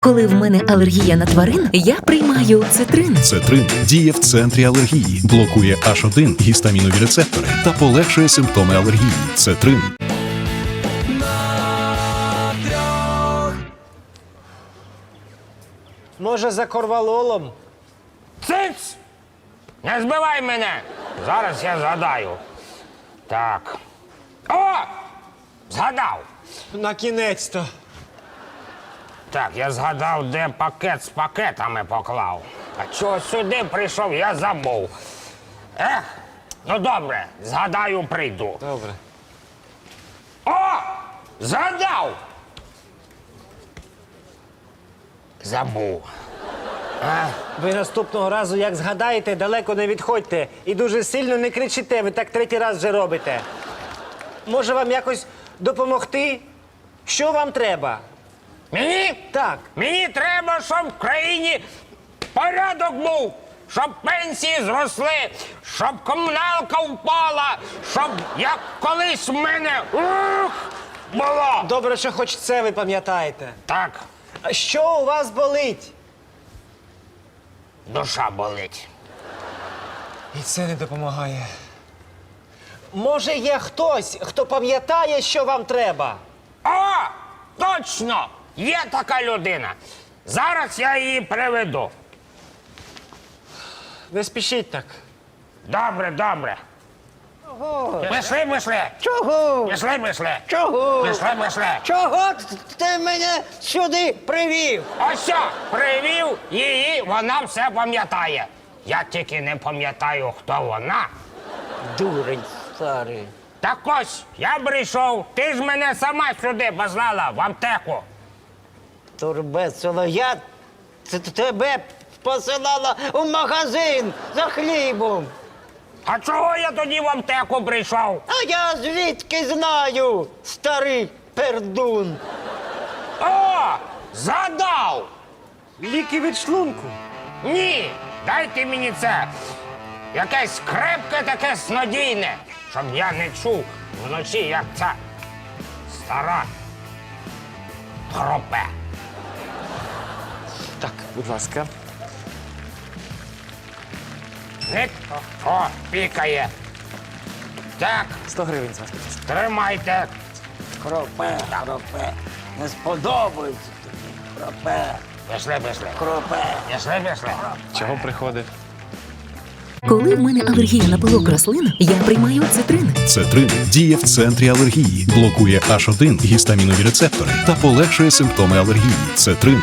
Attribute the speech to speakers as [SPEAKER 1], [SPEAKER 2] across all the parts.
[SPEAKER 1] Коли в мене алергія на тварин, я приймаю цитрин.
[SPEAKER 2] Цетрин діє в центрі алергії, блокує H1 гістамінові рецептори та полегшує симптоми алергії. Цетрин.
[SPEAKER 3] Може, за корвалолом?
[SPEAKER 4] Циц! Не збивай мене! Зараз я згадаю. Так. О! Згадав!
[SPEAKER 3] На кінець-то.
[SPEAKER 4] Так, я згадав, де пакет з пакетами поклав. А чого сюди прийшов, я забув. Ну добре, згадаю, прийду.
[SPEAKER 3] Добре.
[SPEAKER 4] О! Згадав! Забув.
[SPEAKER 3] Ви наступного разу, як згадаєте, далеко не відходьте. І дуже сильно не кричите, ви так третій раз вже робите. Може вам якось допомогти? Що вам треба?
[SPEAKER 4] Мені?
[SPEAKER 3] Так.
[SPEAKER 4] Мені треба, щоб в країні порядок був, щоб пенсії зросли, щоб комуналка впала, щоб як колись в мене було.
[SPEAKER 3] Добре, що хоч це ви пам'ятаєте.
[SPEAKER 4] Так,
[SPEAKER 3] А що у вас болить?
[SPEAKER 4] душа болить.
[SPEAKER 3] І це не допомагає. Може, є хтось, хто пам'ятає, що вам треба?
[SPEAKER 4] О, точно! Є така людина. Зараз я її приведу.
[SPEAKER 3] Не спішіть так.
[SPEAKER 4] Добре, добре. Пішли.
[SPEAKER 5] Чого?
[SPEAKER 4] Пішли.
[SPEAKER 5] Чого?
[SPEAKER 4] Пішли.
[SPEAKER 5] Чого ти мене сюди привів?
[SPEAKER 4] Ось що, привів її, вона все пам'ятає. Я тільки не пам'ятаю, хто вона.
[SPEAKER 5] Дурень старий.
[SPEAKER 4] Так ось, я прийшов, ти ж мене сама сюди послала, в аптеку.
[SPEAKER 5] Турбецело, я тебе посилала у магазин за хлібом.
[SPEAKER 4] А чого я тоді в аптеку прийшов?
[SPEAKER 5] А я звідки знаю, старий пердун.
[SPEAKER 4] О, згадав!
[SPEAKER 3] Ліки від шлунку.
[SPEAKER 4] Ні, дайте мені це. Якесь крепке таке снодійне, щоб я не чув вночі, як ця стара хропе.
[SPEAKER 3] Так, будь ласка.
[SPEAKER 4] Ник, о, пікає. Так,
[SPEAKER 3] 100 гривень з вас, будь ласка.
[SPEAKER 4] тримайте.
[SPEAKER 5] Кропе. Не сподобається тобі. Кропе.
[SPEAKER 4] Пішли.
[SPEAKER 5] Кропе.
[SPEAKER 4] Пішли.
[SPEAKER 3] Чого приходить?
[SPEAKER 1] Коли в мене алергія на пилок рослин, я приймаю цитрин.
[SPEAKER 2] Цетрин діє в центрі алергії, блокує H1 гістамінові рецептори та полегшує симптоми алергії. Цетрин.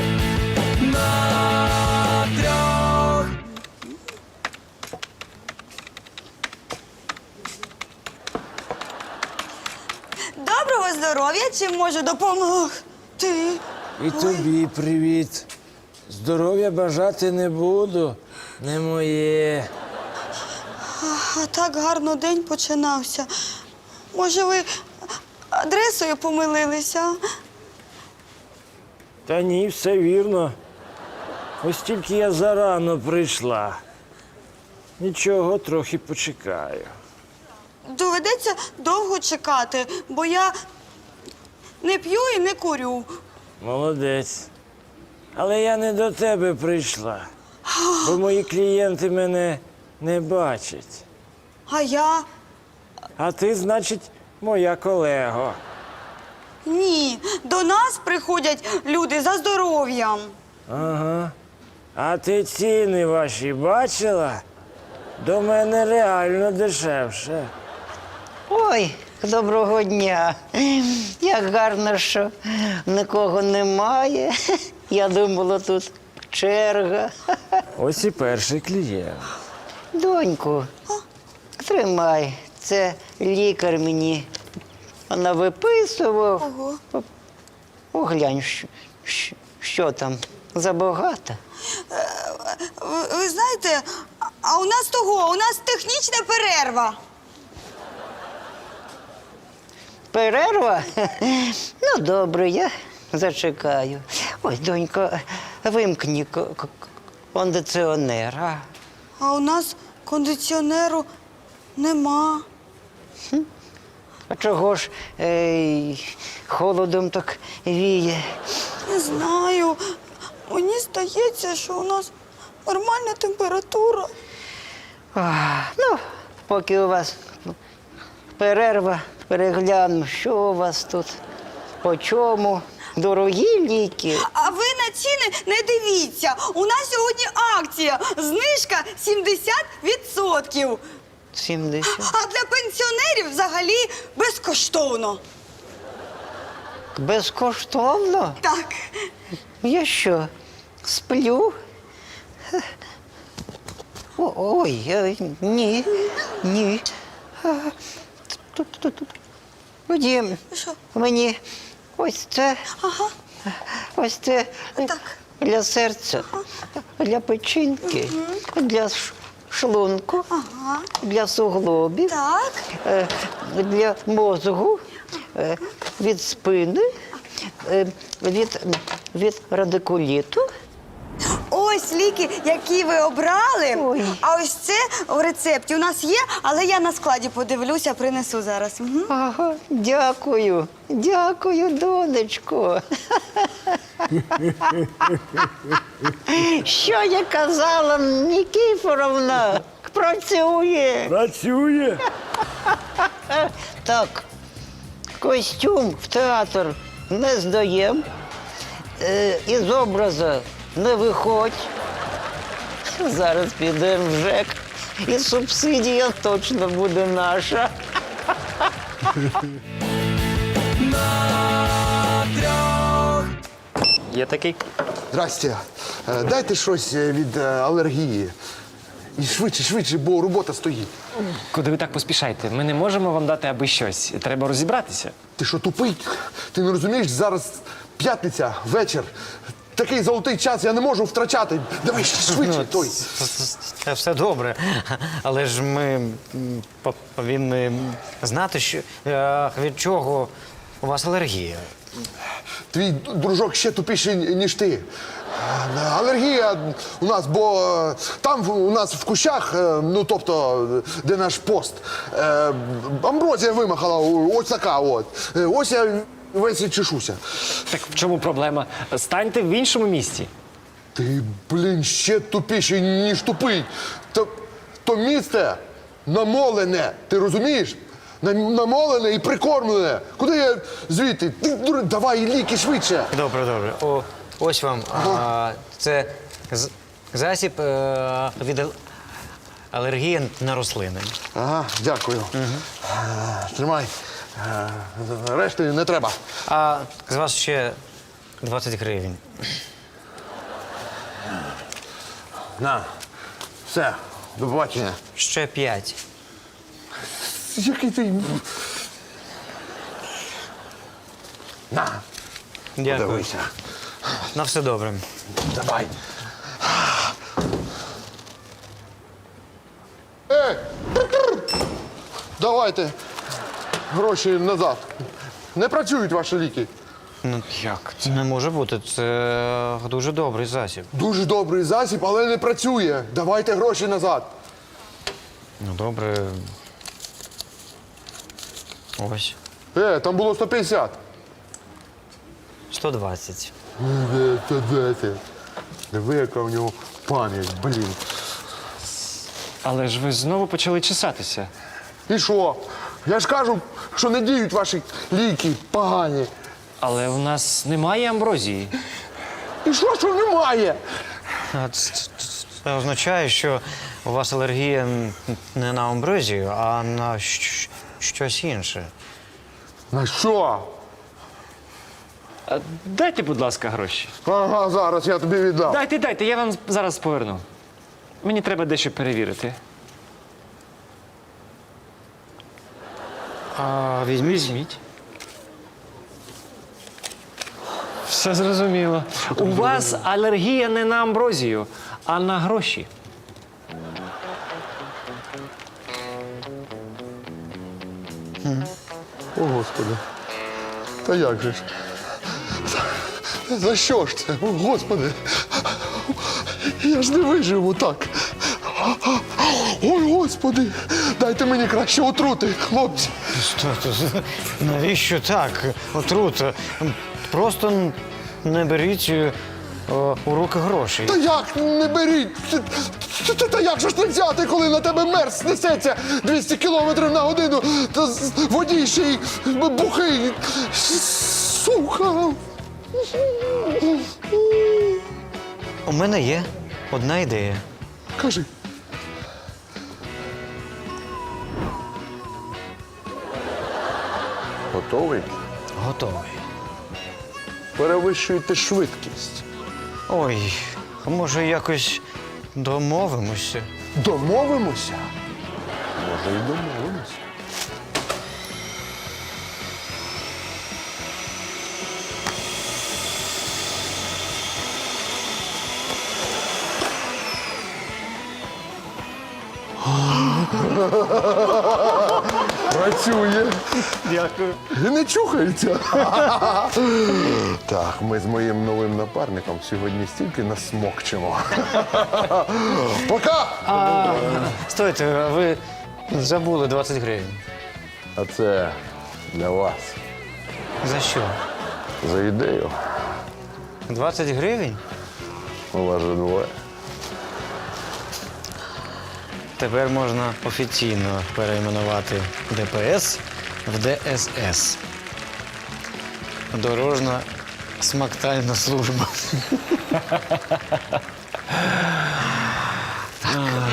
[SPEAKER 6] Доброго здоров'я, чим можу допомогти?
[SPEAKER 7] І тобі привіт. Здоров'я бажати не буду, не моє.
[SPEAKER 6] А так гарно день починався. Може, ви адресою помилилися?
[SPEAKER 7] Та ні, все вірно. Ось тільки я зарано прийшла. Нічого, трохи почекаю.
[SPEAKER 6] Доведеться довго чекати, бо я не п'ю і не курю.
[SPEAKER 7] Молодець. Але я не до тебе прийшла, бо мої клієнти мене не бачать.
[SPEAKER 6] А я?
[SPEAKER 7] А ти, значить, моя колега.
[SPEAKER 6] Ні. До нас приходять люди за здоров'ям.
[SPEAKER 7] Ага. А ти ціни ваші бачила? До мене реально дешевше.
[SPEAKER 5] Ой, доброго дня. Як гарно, що нікого немає. Я думала, тут черга.
[SPEAKER 7] Ось і перший клієнт.
[SPEAKER 5] Доньку, тримай. Це лікар мені навиписував.
[SPEAKER 6] Ого.
[SPEAKER 5] Оглянь, що там, забагато.
[SPEAKER 6] Ви знаєте, а у нас технічна перерва.
[SPEAKER 5] Перерва? Ну, добре, я зачекаю. Ой, донько, вимкні кондиціонер.
[SPEAKER 6] А у нас кондиціонеру нема.
[SPEAKER 5] А чого ж холодом так віє?
[SPEAKER 6] Не знаю. Мені здається, що у нас нормальна температура.
[SPEAKER 5] Ну, поки у вас перерва, перегляну, що у вас тут, по чому, дорогі ліки.
[SPEAKER 6] А ви на ціни не дивіться. У нас сьогодні акція. Знижка 70%.
[SPEAKER 5] 70.
[SPEAKER 6] А для пенсіонерів взагалі безкоштовно.
[SPEAKER 5] Безкоштовно?
[SPEAKER 6] Так.
[SPEAKER 5] Я що, сплю? Ой, ні, ні. Тут. Вадим,
[SPEAKER 6] Що?
[SPEAKER 5] мені ось це,
[SPEAKER 6] Ага.
[SPEAKER 5] ось це
[SPEAKER 6] Так.
[SPEAKER 5] для серця, для печінки, для шлунку,
[SPEAKER 6] Ага.
[SPEAKER 5] для суглобів,
[SPEAKER 6] Так.
[SPEAKER 5] для мозку, від спини, від радикуліту.
[SPEAKER 6] Ось ліки, які ви обрали.
[SPEAKER 5] Ой.
[SPEAKER 6] А ось це в рецепті у нас є, але я на складі подивлюся, принесу зараз. Угу.
[SPEAKER 5] Ага, дякую, донечко. Що я казала, Нікіфоровна? Працює.
[SPEAKER 7] Працює.
[SPEAKER 5] Так, костюм в театр не здаєм, із образу не виходь. Зараз підемо в ЖЕК, і субсидія точно буде наша.
[SPEAKER 3] Є такий.
[SPEAKER 8] Здрасте. Дайте щось від алергії. І швидше, бо робота стоїть.
[SPEAKER 9] Куди ви так поспішаєте? Ми не можемо вам дати аби щось. Треба розібратися.
[SPEAKER 8] Ти що, тупий? Ти не розумієш, зараз п'ятниця, вечір. Такий золотий час я не можу втрачати. Давай швидше, той.
[SPEAKER 5] Це все добре, але ж ми повинні знати, що, від чого у вас алергія.
[SPEAKER 8] Твій дружок ще тупіший, ніж ти. Алергія у нас, бо там у нас в кущах, ну тобто, де наш пост, амброзія вимахала, ось така от. Ось я весь і чешуся.
[SPEAKER 9] Так в чому проблема? Станьте в іншому місці.
[SPEAKER 8] Ти, блін, ще тупіший, ніж тупий. То місце намолене, ти розумієш? Намолене і прикормлене. Куди я звідти? Давай ліки швидше.
[SPEAKER 5] Добре. Ось вам. Це засіб від алергії на рослини.
[SPEAKER 8] Ага, дякую. Тримай. Решти не треба.
[SPEAKER 5] А з вас ще 20 гривень.
[SPEAKER 8] На. Все, до побачення.
[SPEAKER 5] Ще 5.
[SPEAKER 8] Який ти. На.
[SPEAKER 5] Дякую.
[SPEAKER 8] Подивися.
[SPEAKER 5] На все добре.
[SPEAKER 8] Давай. Ей! Давайте гроші назад. Не працюють ваші ліки.
[SPEAKER 5] Ну, як? Це не може бути. Це дуже добрий засіб.
[SPEAKER 8] Дуже добрий засіб, але не працює. Давайте гроші назад.
[SPEAKER 5] Ну, добре. Ось.
[SPEAKER 8] Там було 150.
[SPEAKER 5] 120.
[SPEAKER 8] Диви, яка в нього пам'ять, блін.
[SPEAKER 9] Але ж ви знову почали чесатися.
[SPEAKER 8] І що? Я ж кажу, що не діють ваші ліки погані.
[SPEAKER 9] Але у нас немає амброзії.
[SPEAKER 8] І що немає?
[SPEAKER 5] Це означає, що у вас алергія не на амброзію, а на щось інше.
[SPEAKER 8] На що?
[SPEAKER 9] Дайте, будь ласка, гроші.
[SPEAKER 8] Ага, зараз я тобі віддам.
[SPEAKER 9] Дайте, я вам зараз поверну. Мені треба дещо перевірити.
[SPEAKER 5] Візьміть.
[SPEAKER 9] Все зрозуміло. У вас алергія не на амброзію, а на гроші.
[SPEAKER 8] О, Господи. Та як же ж? За що ж це? О, Господи. Я ж не виживу так. Ой, Господи. Дайте мені краще отрути, хлопці.
[SPEAKER 5] Навіщо так? Отрута. Просто не беріть у руки грошей.
[SPEAKER 8] Та як не беріть? Та як же ж не взяти, коли на тебе мерз несеться 200 кілометрів на годину, та водій ще й бухий. Сука.
[SPEAKER 5] У мене є одна ідея.
[SPEAKER 8] Кажи. Готовий?
[SPEAKER 5] Готовий.
[SPEAKER 8] Перевищуєте швидкість.
[SPEAKER 5] Ой, а може якось домовимося?
[SPEAKER 8] Домовимося? Може, і домовимося. Працює.
[SPEAKER 5] Дякую.
[SPEAKER 8] І не чухається. Так, ми з моїм новим напарником сьогодні стільки насмокчемо. Пока!
[SPEAKER 5] Стойте, ви забули 20 гривень.
[SPEAKER 8] А це для вас.
[SPEAKER 5] За що?
[SPEAKER 8] За ідею.
[SPEAKER 5] 20 гривень?
[SPEAKER 8] У вас же двоє.
[SPEAKER 5] Тепер можна офіційно перейменувати ДПС в ДСС. Дорожна смактальна служба.